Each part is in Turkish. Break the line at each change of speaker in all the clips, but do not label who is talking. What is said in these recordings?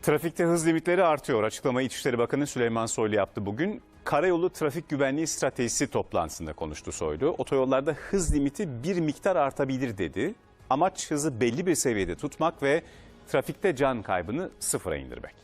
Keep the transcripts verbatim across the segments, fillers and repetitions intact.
Trafikte hız limitleri artıyor. Açıklamayı İçişleri Bakanı Süleyman Soylu yaptı bugün. Karayolu Trafik Güvenliği Stratejisi toplantısında konuştu Soylu. Otoyollarda hız limiti bir miktar artabilir dedi. Amaç hızı belli bir seviyede tutmak ve trafikte can kaybını sıfıra indirmek.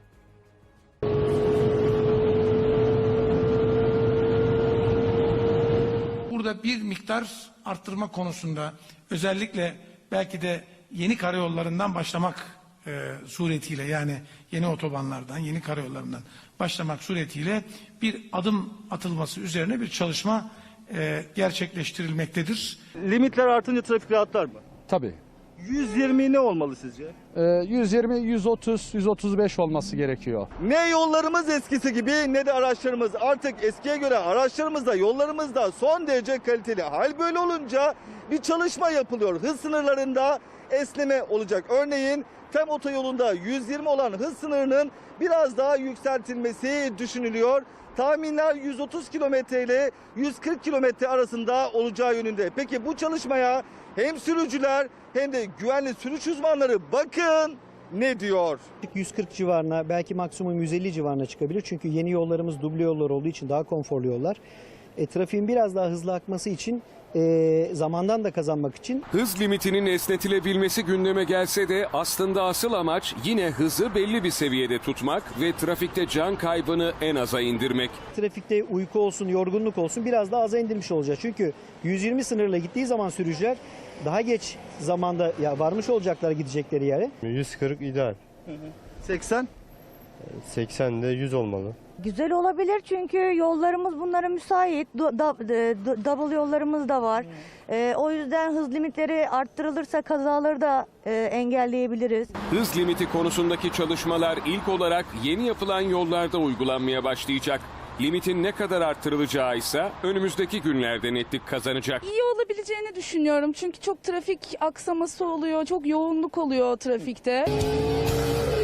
Burada bir miktar arttırma konusunda özellikle belki de yeni karayollarından başlamak e, suretiyle, yani yeni otobanlardan, yeni karayollarından başlamak suretiyle bir adım atılması üzerine bir çalışma e, gerçekleştirilmektedir.
Limitler artınca trafik rahatlar mı?
Tabii.
yüz yirmi ne olmalı sizce?
Ee, yüz yirmi, yüz otuz, yüz otuz beş olması gerekiyor.
Ne yollarımız eskisi gibi ne de araçlarımız. Artık eskiye göre araçlarımız da yollarımız da son derece kaliteli. Hal böyle olunca bir çalışma yapılıyor. Hız sınırlarında esneme olacak. Örneğin Tem otoyolunda yüz yirmi olan hız sınırının biraz daha yükseltilmesi düşünülüyor. Tahminler yüz otuz kilometre ile yüz kırk kilometre arasında olacağı yönünde. Peki bu çalışmaya hem sürücüler hem de güvenli sürüş uzmanları bakın ne diyor?
yüz kırk civarına, belki maksimum yüz elli civarına çıkabilir. Çünkü yeni yollarımız duble yollar olduğu için daha konforlu yollar. E, trafiğin biraz daha hızlı akması için, e, zamandan da kazanmak için.
Hız limitinin esnetilebilmesi gündeme gelse de aslında asıl amaç yine hızı belli bir seviyede tutmak ve trafikte can kaybını en aza indirmek.
Trafikte uyku olsun, yorgunluk olsun biraz daha aza indirmiş olacağız. Çünkü yüz yirmi sınırla gittiği zaman sürücüler daha geç zamanda ya varmış olacaklar gidecekleri yere.
yüz kırk ideal.
seksen?
seksen de yüz olmalı.
Güzel olabilir çünkü yollarımız bunlara müsait. Du- da- d- double yollarımız da var. Ee, o yüzden hız limitleri arttırılırsa kazaları da e, engelleyebiliriz.
Hız limiti konusundaki çalışmalar ilk olarak yeni yapılan yollarda uygulanmaya başlayacak. Limitin ne kadar arttırılacağı ise önümüzdeki günlerde netlik kazanacak.
İyi olabileceğini düşünüyorum çünkü çok trafik aksaması oluyor, çok yoğunluk oluyor trafikte.